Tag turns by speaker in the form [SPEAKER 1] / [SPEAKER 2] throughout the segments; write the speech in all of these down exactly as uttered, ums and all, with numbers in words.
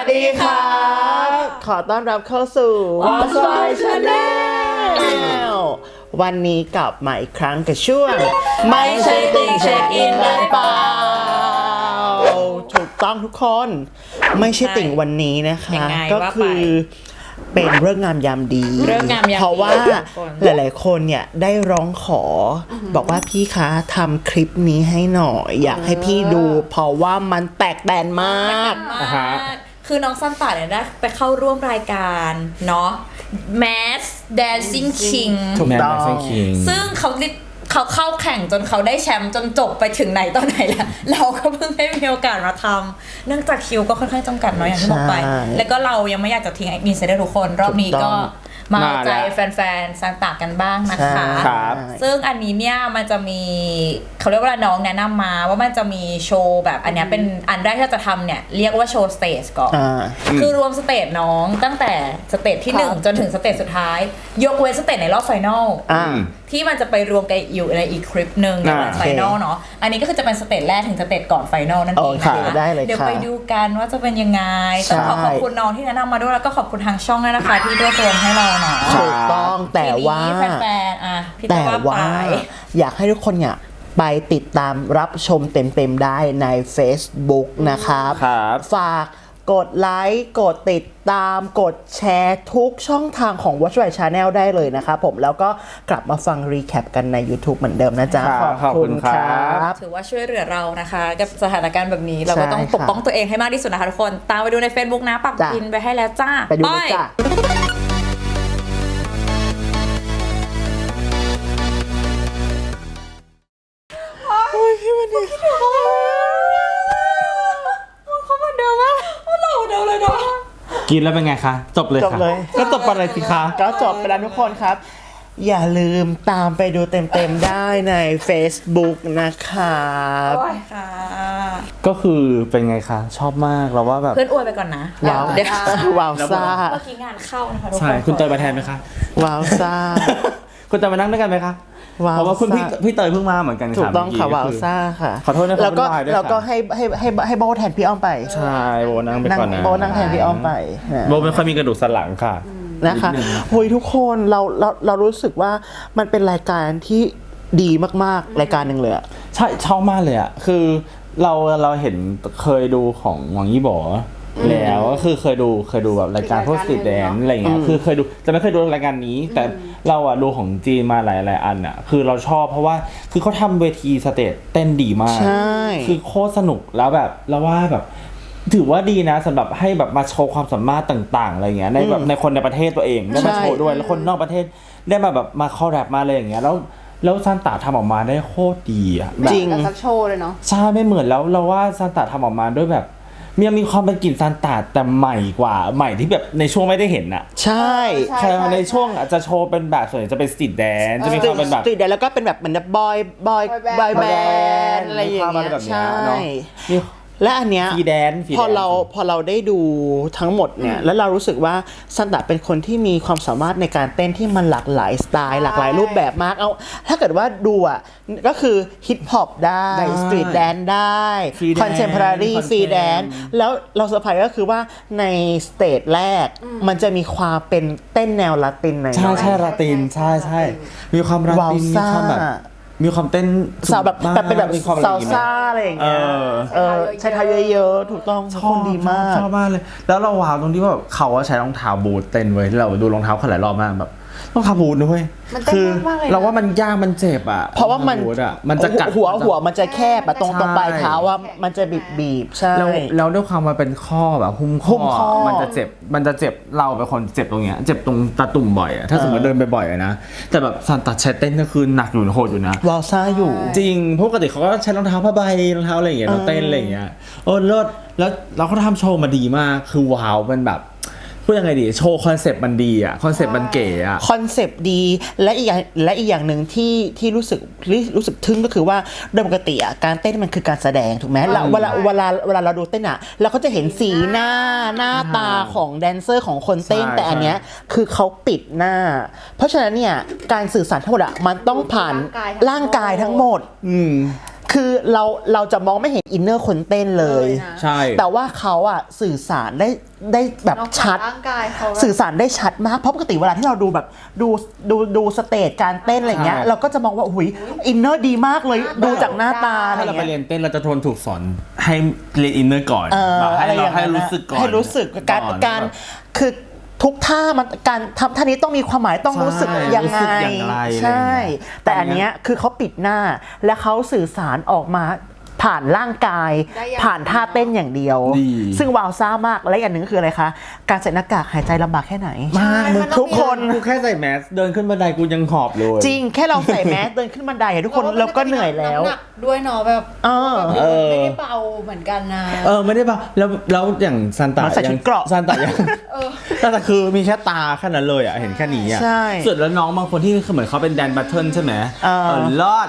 [SPEAKER 1] ดีครับขอต้อนรับเข้าสู่ What's My Channel วันนี้กลับมาอีกครั้งกับช่วงไม่ใช่ติ่งเช็คอินได้เปล่าถูกต้องทุกคนไม่ใช่ติ่งวันนี้นะคะก็คือเป็นเรื่องงามยามดีเพราะว่าหลายๆคนเนี่ยได้ร้องขอบอกว่าพี่คะทำคลิปนี้ให้หน่อยอยากให้พี่ดูเพราะว่ามันแตกแตนมาก
[SPEAKER 2] คือน้องซันต้าเนี่ยได้ไปเข้าร่วมรายการเนาะ Mask Dancing King
[SPEAKER 1] ถูกต้อง
[SPEAKER 2] ซึ่งเขาเขาเข้าแข่งจนเขาได้แชมป์จนจบไปถึงไหนตอนไหนแล้วเราก็เพิ่งได้มีโอกาสมาทำเนื่องจากคิวก็ค่อนข้างจำกัดเนาะอย่างที่บอกไปแล้วก็เรายังไม่อยากจะทิ้งอินไซเดอร์ทุกคนรอบนี้ก็มาเอาใจแฟนๆซันต้ากันบ้างนะคะซึ่งอันนี้เนี่ยมันจะมีเขาเรียกว่าน้องแนะนำมาว่ามันจะมีโชว์แบบอันนี้เป็นอันแรกที่จะทำเนี่ยเรียกว่าโชว์สเตจก่อนคือรวมสเตจน้องตั้งแต่สเตจที่หนึ่งจนถึงสเตจสุดท้ายยกเว้นสเตจในรอบไฟนอลที่มันจะไปรวมกันอยู่ในอีกคลิปหนึ่งในวันไฟนอลเนาะอันนี้ก็คือจะเป็นสเตจแรกถึงสเตจก่อนไฟนอลนั่นเองนะคะเดี๋ยวไปดูกันว่าจะเป็นยังไงต้องขอขอบคุณน้องที่แนะนำมาด้วยแล้วก็ขอบคุณทางช่องด้วยนะคะที่รวบรวมให้เราเนาะ
[SPEAKER 1] ถูกต้องแต่ว่าแต่ว่าอยากให้ทุกคนเนี่ยไปติดตามรับชมเต็มๆได้ใน Facebook นะครับฝากกดไลค์กดติดตามกดแชร์ทุกช่องทางของ Watch My Channel ได้เลยนะครับผมแล้วก็กลับมาฟังรีแคปกันใน YouTube เหมือนเดิมนะจ๊ะขอบคุณครับ
[SPEAKER 2] ถือว่าช่วยเหลือเรานะคะกับสถานการณ์แบบนี้เราก็ต้องปกป้องตัวเองให้มากที่สุดนะคะทุกคนตามไปดูใน Facebook นะปักพินไปให้แล้วจ้า
[SPEAKER 1] ไปดูเลยจ้าโอ้ยพี่วันนี้
[SPEAKER 2] เขามาเดิมมากเราเดิมเลยเนาะ
[SPEAKER 3] กินแล้วเป็นไงคะจบเลยค่ะก็จบไปเลยสิคะ
[SPEAKER 1] ก็จบไปแล้วทุกคนครับอย่าลืมตามไปดูเต็มๆได้ใน Facebook นะครับ
[SPEAKER 3] ก็คือเป็นไงคะชอบมากเราว่าแบบ
[SPEAKER 2] เพื่อนอวยไปก่อนนะ
[SPEAKER 1] ว้าวเดี๋ยวว้าวซ่า
[SPEAKER 2] เมื่อกี้งานเข้านะคะทุกคน
[SPEAKER 3] ใช่คุณเตยมาแทนไหมคะ
[SPEAKER 1] ว้าวซ่า
[SPEAKER 3] คุณจะมานั่งด้วยกันไหมคะเพราะว่าคุณพี่พี่เตยเพิ่งมาเหมือนกัน
[SPEAKER 1] ถูกต้องค่ะว้าวซ่าค่ะ
[SPEAKER 3] ขอโทษนะครับ
[SPEAKER 1] แล้วก็แล้วก็ให้ให้ให้ให้โบแทนพี่อ้อมไป
[SPEAKER 3] ใช่โบนั่งไปก่อนนะ
[SPEAKER 1] โบนั่งแทนพี่อ้อมไป
[SPEAKER 3] โบไม่ค่อยมีกระดูกสันหลังค่ะ
[SPEAKER 1] นะคะโอ้ยทุกคนเราเราเรารู้สึกว่ามันเป็นรายการที่ดีมากๆรายการหนึ่งเลยอะ
[SPEAKER 3] ใช่ชอบมากเลยอะคือเราเราเห็นเคยดูของหวังยี่บ่อแล้วก็คือเคยดูเคยดูแบบรายการพวกสตรีทแดนซ์อะไรเงี้ยคือเคยดูแต่ไม่เคยดูรายการนี้แต่เราอะดูของจีนมาหลายหลายอันอะคือเราชอบเพราะว่าคือเขาทำเวทีสเตจเต้นดีมาก
[SPEAKER 1] ใช่
[SPEAKER 3] คือโคตรสนุกแล้วแบบเราว่าแบบถือว่าดีนะสำหรับให้แบบมาโชว์ความสามารถต่างๆอะไรเงี้ยในแบบในคนในประเทศตัวเองได้มาโชว์ด้วยแล้วคนนอกประเทศได้มาแบบมาคอลแรปมาอะไรอย่างเงี้ยแล้วแล้วซันต้าทำออกมาได้โคตรดีอะ
[SPEAKER 1] จริง
[SPEAKER 4] สักโชว์เลยเนาะ
[SPEAKER 3] ใช่ไม่เหมือนแล้วเราว่าซันต้าทำออกมาด้วยแบบมีมีความเป็นกลิ่นซันต้าแต่ใหม่กว่าใหม่ที่แบบในช่วงไม่ได้เห็นอะ
[SPEAKER 1] ใช่
[SPEAKER 3] ใช่ในช่วงอาจจะโชว์เป็นแบบส่วนใหญ่จะเป็นสตรีทแดนซ์จะมีความเป็นแบบ
[SPEAKER 1] สตรีทแดนซ์แล้วก็เป็นแบบเหมือนบอยบอยบอยแบนด์อะไรอย่างเงี้ยใช่และอันเนี้ยพอเราพอเราได้ดูทั้งหมดเนี่ยแล้วเรารู้สึกว่าซันต้าเป็นคนที่มีความสามารถในการเต้นที่มันหลากหลายสไตล์หลากหลายรูปแบบมากเอาถ้าเกิดว่าดูอ่ะก็คือฮิปฮอปได้สตรีทแดนซ์ได้คอนเทมพอรารีฟรีแดนซ์แล้วเราเซอร์ไพรส์ก็คือว่าในสเตจแรกมันจะมีความเป็นเต้นแนวลาตินหน่อย
[SPEAKER 3] ใช่ใช่ลาตินใช่ใช่มีความลาตินมีความแบบมีความเต้น
[SPEAKER 1] สาวแบบแบบเป็นแบบซาลซ่าอะไรอย่างเงี้ยเออใช้เท้าเยอะๆถูกต้อง
[SPEAKER 3] ชอบดีมากชอบมากเลยแล้วเราว้าวตรงที่ว่าเขาใช้รองเท้าบูทเต้นไว้เราดูรองเท้าเขาหลายรอบมากแบบรองเท้าบูทด้วยคือเราว่ามันยากมันเจ็บอ่ะ
[SPEAKER 1] เพราะว่ามัน
[SPEAKER 3] มันจะกัด
[SPEAKER 1] หัวหัวมันจะแคบอะตรงตรงปลายเท้าว่ามันจะบีบบีบใช่
[SPEAKER 3] แล้วแล้วด้วยความมันเป็นข้อแบบหุ้มข้อมันจะเจ็บมันจะเจ็บเราเป็นคนเจ็บตรงเนี้ยเจ็บตรงตาตุ่มบ่อยอะถ้าสมมติเดินไปบ่อยนะแต่แบบซันต้าใช้เต้นก็คือหนักอยู่โหดอยู่นะ
[SPEAKER 1] วาวซ่าอยู่
[SPEAKER 3] จริงปกติเขาก็ใช้รองเท้าผ้าใบรองเท้าอะไรอย่างเงี้ยเต้นอะไรอย่างเงี้ยโอ้เลิศแล้วเราก็ทำโชว์มาดีมากคือว้าวมันแบบพูดยังไงดีโชว์คอนเซปต์มันดีอ่ะคอนเซปต์มันเก๋อ่ะ
[SPEAKER 1] คอนเซปต์ดีและอีกอย่างและอีกอย่างหนึ่งที่ที่รู้สึกรู้สึกทึ่งก็คือว่าโดยปกติอ่ะการเต้นมันคือการแสดงถูกไหมเราเวลาเวลาเวลาเราดูเต้นอ่ะเราก็จะเห็นสีหน้าหน้าตาของแดนเซอร์ของคนเต้นแต่อันเนี้ยคือเขาปิดหน้าเพราะฉะนั้นเนี่ยการสื่อสารทั้งหมดอ่ะมันต้องผ่านร่างกายทั้งหมดอืมคือเราเราจะมองไม่เห็นอินเนอร์คนเต้นเลย
[SPEAKER 3] ใช่
[SPEAKER 1] แต่ว่าเขาอะสื่อสารได้ได้แบบชัด
[SPEAKER 4] ร่างกายเขา
[SPEAKER 1] สื่อสารได้ชัดมากเพราะปกติเวลาที่เราดูแบบดูดูดูสเตจการเต้นอะไรเงี้ยเราก็จะมองว่าอุ้ยอินเนอร์ดีมากเลยดูจากหน้าตาอะไร
[SPEAKER 3] ถ้าเราไป
[SPEAKER 1] เงี้ย
[SPEAKER 3] เรียนเต้นเราจะทนถูกสอนให้เรียนอินเนอร์ก่อน
[SPEAKER 1] เออ
[SPEAKER 3] แบบให้
[SPEAKER 1] อะไรอ
[SPEAKER 3] เรา
[SPEAKER 1] ย่าง
[SPEAKER 3] ให้
[SPEAKER 1] นั้น
[SPEAKER 3] รู้สึกก่อน
[SPEAKER 1] ให้รู้สึกการ
[SPEAKER 3] อน
[SPEAKER 1] การคือทุกท่ามันการทำท่านี้ต้องมีความหมายต้องรู้สึก
[SPEAKER 3] ใช่
[SPEAKER 1] ยัง
[SPEAKER 3] รู้
[SPEAKER 1] ไง
[SPEAKER 3] สึกอย่างไร
[SPEAKER 1] ใช่
[SPEAKER 3] อะไรอย่างเงี้ย
[SPEAKER 1] แต่อันเนี้ยคือเขาปิดหน้าและเขาสื่อสารออกมาผ่านร่างกาย
[SPEAKER 4] ได้อย่าง
[SPEAKER 1] ผ่านท่าเต้นอย่างเดียว
[SPEAKER 3] ดี
[SPEAKER 1] ซึ่งวาวซ่ามากและอีกอันหนึ่งก็คืออะไรคะการใส่หน้ากากหายใจลำบากแค่ไหน
[SPEAKER 3] มากมึง
[SPEAKER 1] ทุกคน
[SPEAKER 3] กูแค่ใส่แมสเดินขึ้นบันไดกูยังหอบเลย
[SPEAKER 1] จริงแค่เราใส่แมสเดินขึ้นบันไดอะทุกคนเราก็เหนื่อยแล้ว
[SPEAKER 4] ำหนักด้วยเนาะแบบ
[SPEAKER 1] เออ
[SPEAKER 4] แบบไม่ได้เบาเหมือนกันนะ
[SPEAKER 3] เออไม่ได้ป่ะแล้วแล้วอย่างซันตา
[SPEAKER 1] มันใส่ชุดเกราะ
[SPEAKER 3] ซันตายังซันตาคือมีแค่ตาแค่นั้นเลยอ่ะเห็นแค่นี้อ่ะ
[SPEAKER 1] ใช่
[SPEAKER 3] ส่วนแล้วน้องบางคนที่เหมือนเขาเป็นแดนบัตเทิลใช่ไหม
[SPEAKER 1] เออ
[SPEAKER 3] เออรอด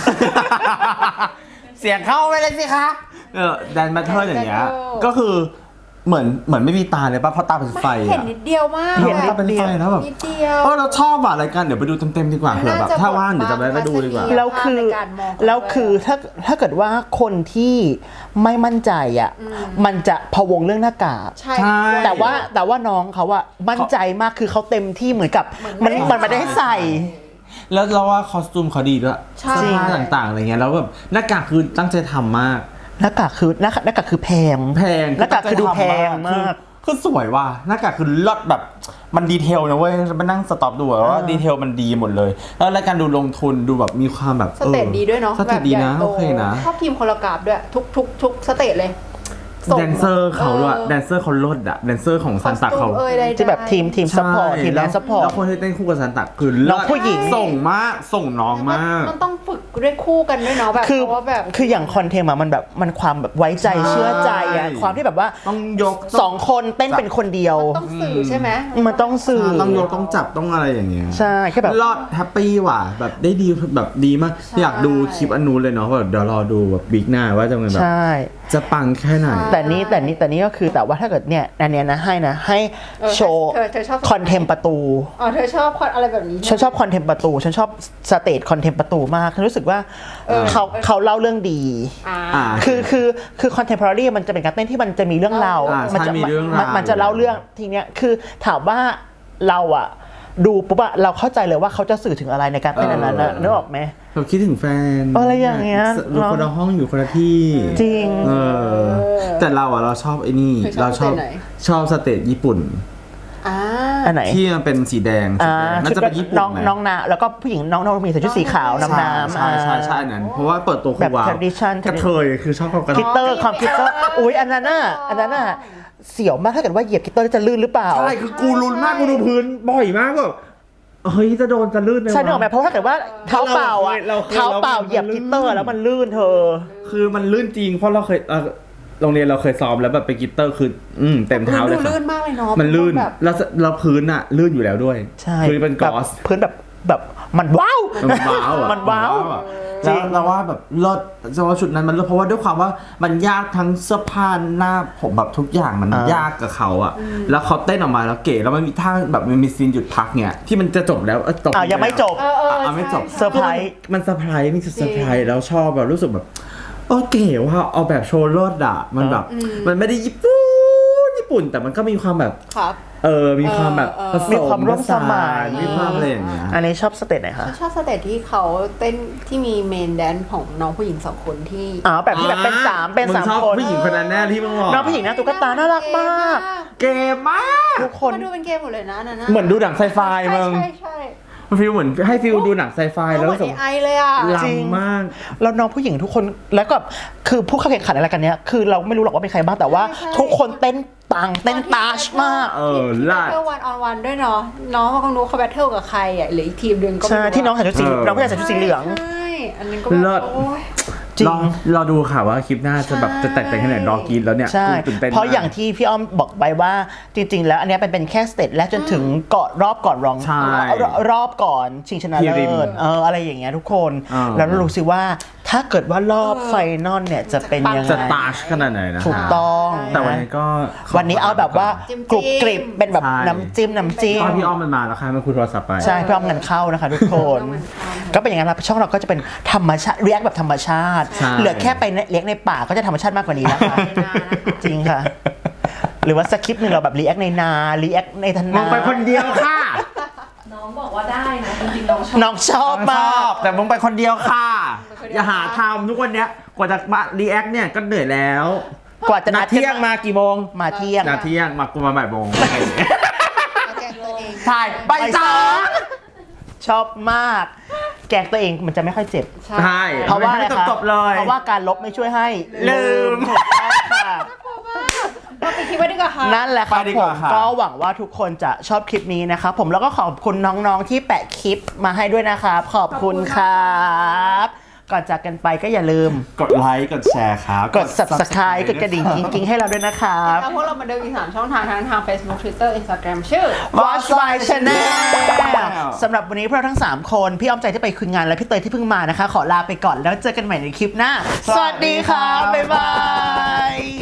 [SPEAKER 3] เสียงเข้าไปเลยสิคะเออแดนบัตเทิลอย่างเงี้ย
[SPEAKER 4] แดนบัตเทิล
[SPEAKER 3] ก็คือเหมือนเหมือนไม่มีตาเลยป่ะเพราะตาเป็นไฟ
[SPEAKER 4] เห็น
[SPEAKER 3] อ่ะ
[SPEAKER 4] นิดเดียวมาก
[SPEAKER 1] เห็นนิ
[SPEAKER 3] ตา
[SPEAKER 1] ด
[SPEAKER 3] เป็น
[SPEAKER 1] เดียว
[SPEAKER 3] ไฟแล้วแบบ
[SPEAKER 4] นิดเดียว
[SPEAKER 3] เออเราชอบอ่ะรายการเดี๋ยวไปดูเต็มๆดีกว่าเผื่อแบบ
[SPEAKER 4] น่าจะ
[SPEAKER 3] ถ้าว่างเดี๋ยวจะไป
[SPEAKER 4] บทบาท
[SPEAKER 3] ไปดูดีกว่า
[SPEAKER 4] ทัศนีย
[SPEAKER 1] แล้วคือ
[SPEAKER 4] ในการมองเขา
[SPEAKER 1] แล้วคือถ้าถ้าเกิดว่าคนที่ไม่มั่นใจอ่ะมันจะพะวงเรื่องหน้ากาก
[SPEAKER 4] ใช่
[SPEAKER 3] ใช่
[SPEAKER 1] แต่ว่าแต่ว่าน้องเขาอะมั่นใจมากคือเขาเต็มที่เหมือนกับมันมันไม่ได้ใส่
[SPEAKER 3] แล้วเราว่าคอสตูมเขาดีด้วย
[SPEAKER 4] ใช่
[SPEAKER 3] เสื้อผ้าต่างๆอะไรเงี้ยแล้วแบบหน้ากากคือตั้งใจทำมาก
[SPEAKER 1] หน้ากากคือหน้ากากหน้ากากคือแพง
[SPEAKER 3] แพง
[SPEAKER 1] หน้ากากคือดูแพงมาก
[SPEAKER 3] คือสวยว่ะหน้ากากคือลดแบบมันดีเทลนะเว้ยมานั่งสต็อปดูอะว่าดีเทลมันดีหมดเลย แล้วรายการดูลงทุนดูแบบมีความแบบ
[SPEAKER 4] สเตจดีด้วยเนาะ
[SPEAKER 3] สเตจดีนะ
[SPEAKER 4] แบบใหญ่โต
[SPEAKER 3] โอเคนะ
[SPEAKER 4] ชอบทีมโคโรกราฟด้วย ทุกทุกทุกสเตจเลยส่ง
[SPEAKER 3] แดนเซอร์เขาด้วยแดนเซอร์เขาลดอะแดนเซอร์ของซันตักเขา
[SPEAKER 4] คอสตูมเอ่ยใดๆ
[SPEAKER 1] ที่แบบทีมทีมซัพพอร์ตทีมแดนซัพพอร์ต
[SPEAKER 3] แล้วคนที่เต้นคู่กับซันตักคือ
[SPEAKER 1] น้องผู้หญิง
[SPEAKER 3] ส่งมากส่งน้องมาก
[SPEAKER 4] มันต้องฝึกด้วยคู่กันด้วยเนาะแบบ
[SPEAKER 1] คือ
[SPEAKER 4] เพราะว่าแบบ
[SPEAKER 1] คืออย่างคอนเทนต์อะมันแบบมันความแบบไว้ใจ
[SPEAKER 3] ใช่
[SPEAKER 1] เชื่อใจอะความที่แบบว่า
[SPEAKER 3] ต้องยก
[SPEAKER 1] สองคนเต้นเป็นคนเดียว
[SPEAKER 4] ต้องสื่อใช่ไหม
[SPEAKER 1] มันต้องสื่อ
[SPEAKER 3] ต้องยกต้องจับต้องอะไรอย่างเงี้ย
[SPEAKER 1] ใช่แค่แบบ
[SPEAKER 3] รอดแฮปปี้ว่ะแบบได้ดีแบบดีมากอยากดูคลิปอันนู้นเลยเนาะแบบเดี๋ยวรอดูแบบบิ๊กหน้าว่าจะเป็นแบบ
[SPEAKER 1] ใช่
[SPEAKER 3] จะปังแค่ไหน
[SPEAKER 1] แต่นี้แต่นี้แต่นี้ก็คือแต่ว่าถ้าเกิดเนี่ยอันเนี้ยนะให้นะให้
[SPEAKER 4] เออ
[SPEAKER 1] โชว์
[SPEAKER 4] เธอเธอชอบ
[SPEAKER 1] คอนเทมประตู
[SPEAKER 4] อ๋อเธอชอบอะไรแบบนี้
[SPEAKER 1] ฉันชอบคอนเทมประตูฉันชอบสเตจคอนเทมประตูมากฉันรู้สึกว่า
[SPEAKER 4] เออ
[SPEAKER 1] เขาเขาเล่าเรื่องดี
[SPEAKER 4] อ่า
[SPEAKER 3] อ่า
[SPEAKER 1] คือคือคือคอนเทมพอรารีมันจะเป็นการเต้นที่มันจะมีเรื่องราว
[SPEAKER 3] อ่าใช่
[SPEAKER 1] มัจะ
[SPEAKER 3] มีเรื่องราว
[SPEAKER 1] มันมันจะเล่าเรื่องทีเนี้ยคือถามว่าเราอะดูปุ๊บอะเราเข้าใจเลยว่าเขาจะสื่อถึงอะไรในการเต้นอันนั้นนะนึกออกไหม
[SPEAKER 3] แบบคิดถึงแฟน
[SPEAKER 1] อะไรอย่างเงี้ย
[SPEAKER 3] อยู่คนละห้องอยู่คนละที่
[SPEAKER 1] จริง
[SPEAKER 3] เออแต่เราอะเราชอบไอ้นี่
[SPEAKER 4] เธอชอบ
[SPEAKER 3] เราชอบ
[SPEAKER 4] สเตจไหน
[SPEAKER 3] ชอบสเตจญี่ปุ่น
[SPEAKER 4] อ่า
[SPEAKER 1] อันไหน
[SPEAKER 3] ที่มันเป็นสีแดงสี
[SPEAKER 1] อ่า
[SPEAKER 3] แดงน่าจะเป็นญี่ปุ่น
[SPEAKER 1] น้อง
[SPEAKER 3] ไหม
[SPEAKER 1] น้องนาแล้วก็ผู้หญิงน้องน้องมีใส่ชุดสีขาวนำน้ำ
[SPEAKER 3] ใช่ใช่ใช่อันนั้นเพราะว่าเปิดตัวคื
[SPEAKER 1] แบ
[SPEAKER 3] อบ ว้าว
[SPEAKER 1] tradition
[SPEAKER 3] กระเทยคือชอบความกระ
[SPEAKER 1] คิต
[SPEAKER 3] เท
[SPEAKER 1] เตอย ร์คอมพิวเตอร์อุ้ยอันนั้นน่ะอันนั้นน่ะเสียวมากถ้าเกิดว่าเหยียบคิตเตอร์แล้วจะลื่นหรือเปล่า
[SPEAKER 3] ใช่คือกูรุนมากกูดูพื้นบ่อยมากแบบเฮ้ยจะโดนจะลื่นเลย
[SPEAKER 1] ใช่นึกออกไหมเพราะว่าถ้าเกิดว่าเท้าเปล่าอ่ะ
[SPEAKER 3] เราเคย
[SPEAKER 1] เท้าเปล่า
[SPEAKER 3] เราเคย
[SPEAKER 1] เหยียบคิตเตอร์แล้วมันลื่นเธอ
[SPEAKER 3] คือมันลื่นจริงเพราะเราเคยเอ่อโรงเรียนเราเคยซ้อมแล้วแบบไปกีตเตอร์คืออืมเต็มเท้าเลย
[SPEAKER 4] ดู
[SPEAKER 3] ค่ะ
[SPEAKER 4] ลื่นมากเลยเนาะ
[SPEAKER 3] มันลื่น
[SPEAKER 4] แบบ
[SPEAKER 3] แล้วเราพื้นอะลื่นอยู่แล้วด้วย
[SPEAKER 1] ใช่
[SPEAKER 3] คือเป็นก
[SPEAKER 1] แบบ
[SPEAKER 3] อส
[SPEAKER 1] พื้นแบบแบบมันว้าว
[SPEAKER 3] มันว้าวอะ
[SPEAKER 1] มันว้าว
[SPEAKER 3] อะ
[SPEAKER 1] จริ
[SPEAKER 3] แล้ว
[SPEAKER 1] ง
[SPEAKER 3] เราว่าแบบเลิศจะว่าชุดนั้นมันเลิศเพราะว่าด้วยความว่ามันยากทั้งเสื้อผ้าหน้าผมแบบทุกอย่างมันยากกับเขาอะแล้วเขาเต้นออกมาแล้วเก๋แล้วมันมีท่าแบบมันมีซีนหยุดพักเนี่ยที่มันจะจบแล้วเออจบ
[SPEAKER 1] อ้าวยังไม่จบ
[SPEAKER 4] เออเออ
[SPEAKER 3] อ่ะไม่จบ
[SPEAKER 4] ใช่
[SPEAKER 1] เซอร์ไพรส์
[SPEAKER 3] มันเซอร์ไพรส์มีจุดเซอร์ไพรส์แล้วชอบแบบรู้สึกแบบโอเคว่าเอาแบบโชว์รถอะมันแบบมันไม่ได้ญี่ปุ่นญี่ปุ่นแต่มันก็มีความแบบ
[SPEAKER 4] ครับ
[SPEAKER 3] เออมีความแบบ
[SPEAKER 4] เออ
[SPEAKER 3] ผส
[SPEAKER 1] มีความร่วมสมัย
[SPEAKER 3] มีความอะไรอย่างเงี้ย
[SPEAKER 1] อันนี้ชอบสเตจไหนคะ
[SPEAKER 4] ชอบสเตจที่เขาเต้นที่มีเมนแดนซ์ของน้องผู้หญิงสองคนที่
[SPEAKER 1] อ๋อแบบที่แบบเป็นสามเป็น
[SPEAKER 3] ง
[SPEAKER 1] สาม
[SPEAKER 3] ชอบ
[SPEAKER 1] คน
[SPEAKER 3] ผู้หญิงคนนั้นแน่ที่มึงบอก
[SPEAKER 1] น้องผู้หญิงหน้าตุ๊กตาน่ารักมาก
[SPEAKER 3] เกมมาก
[SPEAKER 1] ทุกคน
[SPEAKER 4] มันดูเป็นเกมหมดเลยนะนั่นนะ
[SPEAKER 3] เหมือนดูหนังไซไฟ
[SPEAKER 4] ใช่
[SPEAKER 3] มึง
[SPEAKER 4] ใช่ใช่
[SPEAKER 3] มันฟีลเหมือนให้ฟีลดูหนังไซไฟ
[SPEAKER 4] ใช่
[SPEAKER 3] แล้ว
[SPEAKER 4] เหมื
[SPEAKER 3] รู้
[SPEAKER 4] อน
[SPEAKER 3] สึก
[SPEAKER 4] ไอเลยอ่ะ
[SPEAKER 3] ล้ำมาก
[SPEAKER 1] แล้วน้องผู้หญิงทุกคนแล้วก็คือผู้เข้าแข่งขันอะไรกันเนี้ยคือเราไม่รู้หรอกว่าเป็นใครบ้างแต่ว่า
[SPEAKER 4] ใช่
[SPEAKER 1] ทุกคนเต้นปังเต้นตาชมาก
[SPEAKER 3] เออ
[SPEAKER 4] ที่
[SPEAKER 3] ลา
[SPEAKER 4] แบ
[SPEAKER 3] ด
[SPEAKER 4] ทเทิลวันออนวันด้วยเนาะน้องเขาคงรู้เขาแบทเทิลกับใครอ่ะหรืออีกทีมหนึ่งก็ไม่
[SPEAKER 1] ใช่
[SPEAKER 4] รู้
[SPEAKER 1] ที่น้องใส่ชุดสี
[SPEAKER 3] เออ
[SPEAKER 1] น้องผู้ชายใส่ชุดสีเหลือง
[SPEAKER 4] ใช่อันนั้นก็
[SPEAKER 3] เลิ
[SPEAKER 4] แบ
[SPEAKER 3] ศ
[SPEAKER 4] บโอ้ย
[SPEAKER 1] จริง
[SPEAKER 3] รอรอดูค่ะว่าคลิปหน้าจะแบบจะแตกต่างแค่ไหนรอกินแล้วเนี่ย
[SPEAKER 1] ใช่
[SPEAKER 3] กูตื่นเต้น
[SPEAKER 1] เพราะ
[SPEAKER 3] มก
[SPEAKER 1] อย่างที่พี่อ้อมบอกไปว่าจริง ๆ แล้วอันเนี้ยเป็นเป็นแค่สเตจแรกจนถึงเกาะรอบก่อนรอง
[SPEAKER 3] ใช่
[SPEAKER 1] รอบรอบก่อนชิงชนะ
[SPEAKER 3] พีริ
[SPEAKER 1] เลิ
[SPEAKER 3] ม
[SPEAKER 1] ศเอออะไรอย่างเงี้ยทุกคน
[SPEAKER 3] อ่า
[SPEAKER 1] แล้วเรารู้สึกว่าถ้าเกิดว่ารอบไฟนอลเนี่ยจะเป็นยัง
[SPEAKER 3] จะ
[SPEAKER 1] ไง
[SPEAKER 3] ตาชขนาดไหนนะ
[SPEAKER 1] ถูกต้อง
[SPEAKER 3] แต่วันนี้ก็
[SPEAKER 1] วันนี้เอาแบบว่า
[SPEAKER 4] จิ้มๆ
[SPEAKER 1] กรุบกริบเป็นแบบ
[SPEAKER 3] ใช่
[SPEAKER 1] น้ำจิ้มน้ำจิ้ม
[SPEAKER 3] ตอนพี่อ้อมมันมาแล้วค่ะมันคุยโทรศัพท์ไป
[SPEAKER 1] ใช่เพื่อเอาเงินเข้านะคะทุกคน ก็เป็นอย่างนั้นครับช่องเราก็จะเป็นธรรมชาติเรียกแบบธรรมชาติ
[SPEAKER 3] ใช่
[SPEAKER 1] เหลือแค่ไปเลี้ยงในป่าก็จะธรรมชาติมากกว่านี้แล้วค่ะ จริงค่ะ หรือว่าสคริปต์หนึ่งเราแบบรีแอคในนารีแอคในท
[SPEAKER 3] ม
[SPEAKER 1] นา
[SPEAKER 3] องไปคนเดียวค่ะ
[SPEAKER 5] น้องบอกว่าได้นะจริงๆน้องชอบ
[SPEAKER 1] น้องชอบ
[SPEAKER 3] ช
[SPEAKER 1] มา
[SPEAKER 3] อก บแต่มึงไปคนเดียวค่ะ อย่าหาทำทุกวันเนี้ยกว่าจะมารีแอคเนี่ยก็เหนื่อยแล้ว
[SPEAKER 1] กว่าจะ
[SPEAKER 3] นั
[SPEAKER 1] นั
[SPEAKER 3] ด
[SPEAKER 1] ด
[SPEAKER 3] เที่ยงมากี่โมง
[SPEAKER 1] มาเที่ยง
[SPEAKER 3] นัดเที่ยงมากูมาบ่ายโมง
[SPEAKER 4] แกงตัวเอง
[SPEAKER 3] ถ่ายใบสอง
[SPEAKER 1] ชอบมาก แกล้งตัวเองมันจะไม่ค่อยเจ็บ
[SPEAKER 3] ใช่
[SPEAKER 1] เพราะว่าอะไร
[SPEAKER 3] ไม่
[SPEAKER 1] คะ
[SPEAKER 3] จบๆเลย
[SPEAKER 1] เพราะว่าการลบไม่ช่วยให้
[SPEAKER 3] ลืม
[SPEAKER 1] ถูกต้องค่ะ
[SPEAKER 4] เราไปคิดไว้ดีกว่าค่ะ
[SPEAKER 1] นั่นแหละครับ
[SPEAKER 3] ไปดี
[SPEAKER 1] ผ
[SPEAKER 3] กว่าม ค่ะ
[SPEAKER 1] ก็หวังว่าทุกคนจะชอบคลิปนี้นะครับผมแล้วก็ขอบคุณน้องๆที่แปะคลิปมาให้ด้วยนะครับขอบคุณครับก่อนจากกันไปก็อย่าลืม
[SPEAKER 3] กดไลค์กดแชร์ครับ
[SPEAKER 1] กด subscribe กดกระดิ่งกิ๊งๆให้เราด้วยนะครับ
[SPEAKER 4] แล้วพวกเรามาเดินอีกสามช่องทางทั้งทาง Facebook Twitter Instagram ชื่อ
[SPEAKER 1] Watch My Channel สำหรับวันนี้พวกเราทั้ง สาม คน พี่อ้อมใจที่ไปคุยงานและพี่เตยที่เพิ่งมานะคะ ขอลาไปก่อนแล้วเจอกันใหม่ในคลิปหน้า สวัสดีครับ บ๊ายบาย